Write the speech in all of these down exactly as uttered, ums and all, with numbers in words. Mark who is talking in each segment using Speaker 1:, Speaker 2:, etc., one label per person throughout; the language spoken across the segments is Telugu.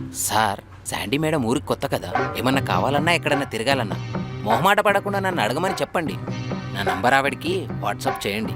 Speaker 1: సార్, శాండీ మేడం ఊరికి కొత్త కదా, ఏమన్నా కావాలన్నా ఎక్కడన్నా తిరగాలన్నా మొహమాట పడకుండా నన్ను అడగమని చెప్పండి. నా నంబర్ ఆవిడికి వాట్సాప్ చేయండి.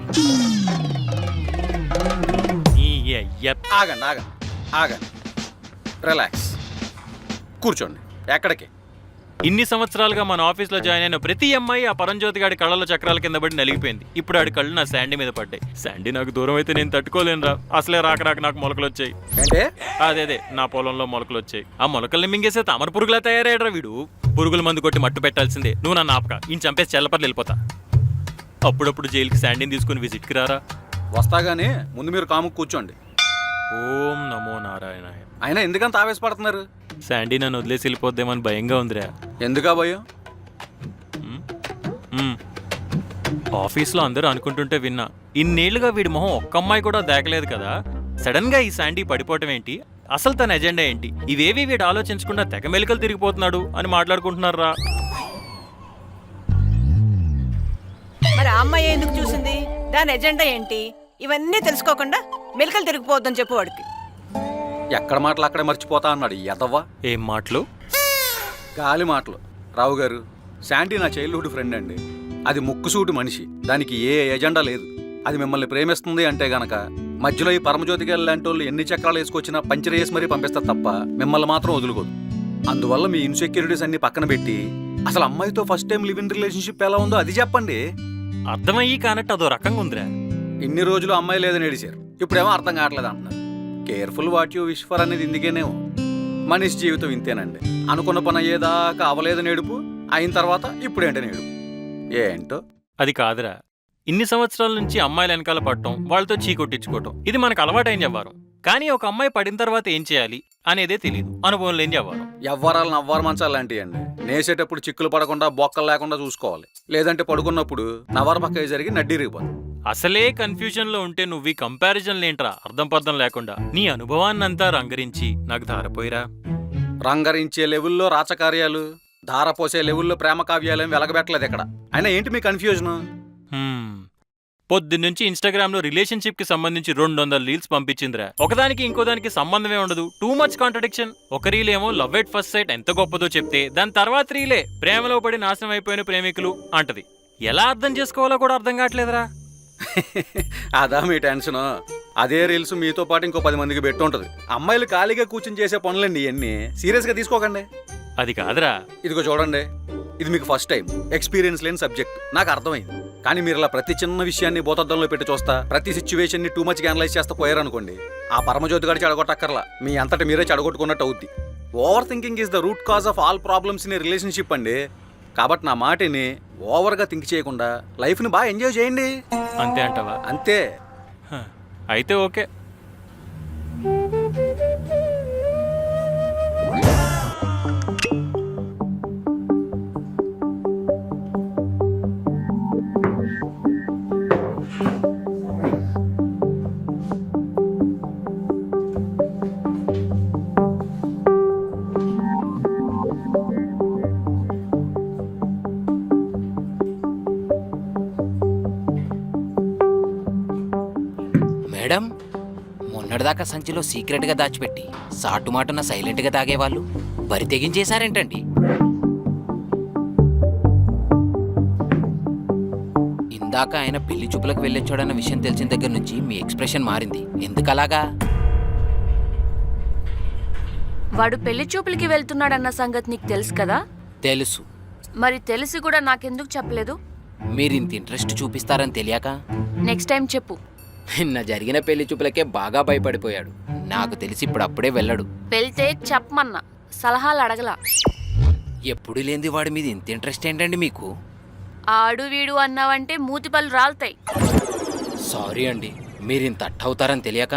Speaker 2: ఆగండి ఆగండి ఆగండి రిలాక్స్ కూర్చోండి. ఎక్కడికి?
Speaker 3: ఇన్ని సంవత్సరాలుగా మన ఆఫీస్లో జాయిన్ అయిన ప్రతి అమ్మాయి ఆ పరంజ్యోతి గాడి కళ్ళలో చక్రాల కింద పడి నలిగిపోయింది. ఇప్పుడు ఆడి కళ్ళు నా శాండీ మీద పడ్డాయి. శాండీ నాకు దూరం అయితే నేను తట్టుకోలేనురా. అసలే రాక రాక నాకు మొలకలు వచ్చాయి.
Speaker 2: అంటే
Speaker 3: అదే అదే నా పొలంలో మొలకలు వచ్చాయి. ఆ మొలకల్ని మింగేసే తామర పురుగులా తయారయ్యాడ్రా వీడు. పురుగుల మందు కొట్టి మట్టు పెట్టాల్సిందే. నువ్వు నన్ను ఆపక, ఈయన చంపేసి చెల్లపర్లు వెళ్ళిపోతా. అప్పుడప్పుడు జైలుకి శాండీని తీసుకుని విజిట్కి రారా.
Speaker 2: వస్తాగానే ముందు మీరు కాముకు కూర్చోండి.
Speaker 3: ఓం నమో నారాయణాయ.
Speaker 2: అయినా ఎందుకంత ఆవేశపడుతున్నారు?
Speaker 3: శాండీ నన్ను వదిలేసి వెళ్ళిపోద్దేమని భయంగా ఉందిరా.
Speaker 2: ఎందుకా భయం?
Speaker 3: ఆఫీస్లో అందరూ అనుకుంటుంటే విన్నా, ఇన్నేళ్లుగా వీడి మొహం ఒక్క అమ్మాయి కూడా దాకలేదు కదా, సడన్ గా ఈ శాండీ పడిపోవటం ఏంటి, అసలు తన ఎజెండా ఏంటి, ఇవేవి వీడు ఆలోచించకుండా తెగ మెలికలు తిరిగిపోతున్నాడు అని మాట్లాడుకుంటున్నారా.
Speaker 4: మరి ఆ అమ్మాయి ఎందుకు చూసింది, దాని ఎజెండా ఏంటి, ఇవన్నీ తెలుసుకోకుండా మెలికలు తిరిగిపోవద్దని చెప్పు వాడికి.
Speaker 2: ఎక్కడ మాటలు అక్కడే మర్చిపోతా అన్నాడు ఎదవ్వ.
Speaker 3: ఏం మాటలు?
Speaker 2: గాలి మాటలు. రావు గారు, శాండీ నా చైల్డ్హుడ్ ఫ్రెండ్ అండి. అది ముక్కుసూటి మనిషి, దానికి ఏ ఎజెండా లేదు. అది మిమ్మల్ని ప్రేమిస్తుంది అంటే గనక మధ్యలో ఈ పరమజ్యోతి గారు లాంటి వాళ్ళు ఎన్ని చక్రాలు వేసుకొచ్చినా పంచర్ వేసి మరీ పంపిస్తారు తప్ప మిమ్మల్ని మాత్రం వదులుకోదు. అందువల్ల మీ ఇన్సెక్యూరిటీస్ అన్ని పక్కన పెట్టి అసలు అమ్మాయితో first time live in relationship ఎలా ఉందో అది చెప్పండి.
Speaker 3: అర్థమయ్యి కానట్టు అదో రకంగా ఉందిరా.
Speaker 2: ఇన్ని రోజులు అమ్మాయి లేదని ఏడిచారు, ఇప్పుడేమో అర్థం కావట్లేదు అంటున్నారు. Careful what you wish for అనేది ఇందుకేనేమో. మనిషి జీవితం ఇంతేనండి. అనుకున్న పని అయ్యేదాకా అవలేదని ఏడుపు, అయిన తర్వాత ఇప్పుడేంటని ఏడుపు. ఏంటో
Speaker 3: అది కాదురా, ఇన్ని సంవత్సరాల నుంచి అమ్మాయిల వెనకాల పడటం, వాళ్ళతో చీకొట్టించుకోవటం, ఇది మనకు అలవాటైన వ్యవహారం. కానీ ఒక అమ్మాయి పడిన తర్వాత ఏం చేయాలి అనేదే తెలియదు, అనుభవం లేని వ్యవహారం.
Speaker 2: ఎవ్వరాలు నవ్వారు మంచాలు లాంటివి అండి. నేసేటప్పుడు చిక్కులు పడకుండా బొక్కలు లేకుండా చూసుకోవాలి, లేదంటే పడుకున్నప్పుడు నవర పక్క జరిగి నడ్డిరిగిపోతుంది.
Speaker 3: అసలే కన్ఫ్యూజన్ లో ఉంటే నువ్వు ఈ కంపారిజన్ లేంట్రా, అర్థం పర్థం లేకుండా. నీ అనుభవాన్నంతా రంగరించి నాకు ధారపోయిరా.
Speaker 2: రంగరించే లెవెల్లో రాచకార్యాలు, ధారపోసే లెవెల్లో ప్రేమ కావ్యాలు వెలగబెట్టలేదు ఇక్కడ. అయినా ఏంటి మీ కన్ఫ్యూజన్?
Speaker 3: పొద్దున్నుంచి ఇన్స్టాగ్రామ్ లో రిలేషన్షిప్ కి సంబంధించి రెండు వందల రీల్స్ పంపించిందిరా. ఒకదానికి ఇంకోదానికి సంబంధమే ఉండదు, టూ మచ్ కాంట్రడిక్షన్. ఒక రీల్ ఏమో లవ్ ఎట్ ఫస్ట్ సైట్ ఎంత గొప్పదో చెప్తే, దాని తర్వాత రీలే ప్రేమలో పడి నాశనం అయిపోయిన ప్రేమికులు అంటది. ఎలా అర్థం చేసుకోవాలో కూడా అర్థం కావట్లేదురా.
Speaker 2: అదా మీ టెన్షన్? అదే రీల్స్ మీతో పాటు ఇంకో పది మందికి పెట్టుంటది. అమ్మాయిలు ఖాళీగా కూర్చుని చేసే పనులండి ఇవన్నీ, సీరియస్ గా తీసుకోకండి.
Speaker 3: అది కాదురా.
Speaker 2: ఇదిగో చూడండి, ఇది మీకు ఫస్ట్ టైం, ఎక్స్పీరియన్స్ లేని సబ్జెక్ట్ నాకు అర్థమైంది. కానీ మీరు ఇలా ప్రతి చిన్న విషయాన్ని భూతద్దంలో పెట్టి చూస్తా, ప్రతి సిచ్యువేషన్ ని టూ మచ్ అనలైజ్ చేస్తా పోయారనుకోండి, ఆ పరమజ్యోతి గారి చెడగొట్టక్కర్లా, మీ అంతటి మీరే చెడగొట్టుకున్నట్టు అవుద్ది. Over thinking is the root cause of all problems in relationship అండి. కాబట్టి నా మాటని ఓవర్గా థింక్ చేయకుండా లైఫ్ని బాగా ఎంజాయ్ చేయండి.
Speaker 3: అంతే అంటావా?
Speaker 2: అంతే.
Speaker 3: అయితే ఓకే.
Speaker 1: మేడం, మొన్నటిదాకా సంచిలో సీక్రెట్గా దాచిపెట్టి సాటుమాటున సైలెంట్గా తాగేవాళ్ళు బరి తెగించేశారేంటండి? ఇందాక ఆయన పెళ్లి చూపులకు వెళ్ళొచ్చాడన్న విషయం తెలిసిన దగ్గర నుంచి మీ ఎక్స్ప్రెషన్ మారింది. ఎందుకలాగా?
Speaker 5: వాడు పెళ్లి చూపులకి వెళ్తున్నాడన్న సంగతి నీకు తెలుసు కదా?
Speaker 1: తెలుసు.
Speaker 5: మరి తెలిసి కూడా నాకెందుకు చెప్పలేదు?
Speaker 1: మీరు ఇంత ఇంట్రెస్ట్ చూపిస్తారని తెలియక.
Speaker 5: నెక్స్ట్ టైం చెప్పు.
Speaker 1: నిన్న జరిగిన పెళ్లి చూపులకే బాగా భయపడిపోయాడు. నాకు తెలిసి ఇప్పుడు అప్పుడే వెళ్ళడు.
Speaker 5: వెళ్తే చెప్పమన్నా, సలహాలు అడగలా.
Speaker 1: ఎప్పుడు లేని వాడి మీద ఇంత ఇంట్రెస్ట్ ఏంటండి మీకు?
Speaker 5: ఆడు వీడు అన్నావంటే మూతిపళ్ళు రాలుతాయి.
Speaker 1: సారీ అండి, మీరు ఇంత అట్టవుతారని తెలియక.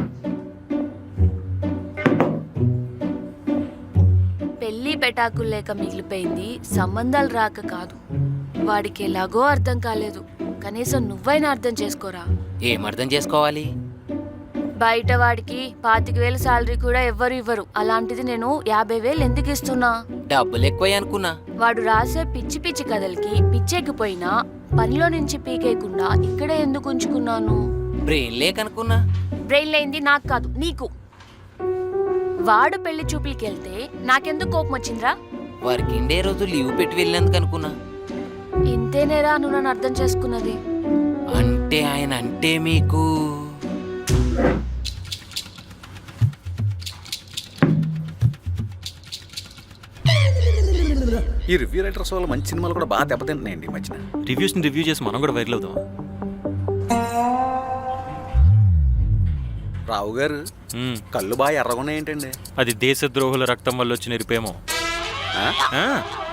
Speaker 5: పెళ్లి పెటాకులు లేక మిగిలిపోయింది సంబంధాలు రాక కాదు. వాడికి ఎలాగో అర్థం కాలేదు, కనీసం నువ్వైనా అర్థం చేసుకోరా.
Speaker 1: ఏం అర్థం చేసుకోవాలి?
Speaker 5: బయట వాడికి పాతిక వేలు శాలరీ కూడా ఎవ్వరు ఇవ్వరు, అలాంటిది నేను యాభై వేలు ఎందుకు ఇస్తున్నా?
Speaker 1: డబ్బులు ఎక్కువ అనుకున్నా.
Speaker 5: వాడు రాసే పిచ్చి పిచ్చి కథలకి పిచ్చెక్కిపోయినా పనిలో నుంచి పీకేయకుండా ఇక్కడే ఎందుకు ఉంచుకున్నాను?
Speaker 1: బ్రెయిన్ లేకనుకున్నా.
Speaker 5: బ్రెయిన్ లేనిది నాకు కాదు, నీకు. వాడు పెళ్లి చూపులకి వెళ్తే నాకెందుకు కోపం వచ్చిందిరా?
Speaker 1: వర్కింగ్ డే రోజు లీవ్ పెట్టి వెళ్ళినందుకు అనుకున్నా.
Speaker 5: ఇంతేనేరా నువ్వు నన్ను అర్థం చేసుకున్నది?
Speaker 1: అంటే ఆయన అంటే మీకు
Speaker 2: ఈ రివ్యూ రైటర్స్ వల్ల మంచి సినిమాలు కూడా బాగా దెబ్బతింటున్నాయండి ఈ మధ్యన.
Speaker 3: రివ్యూస్ ని రివ్యూ చేసి మనం కూడా వైరల్ అవుదాం.
Speaker 2: రావు గారు
Speaker 3: మ్మ్.
Speaker 2: కళ్ళు బాగా ఎర్రగున్నాయి ఏంటండి?
Speaker 3: అది దేశద్రోహుల రక్తం వల్ల వచ్చిన ఎరిపేమో.
Speaker 2: ఆ?
Speaker 3: ఆ,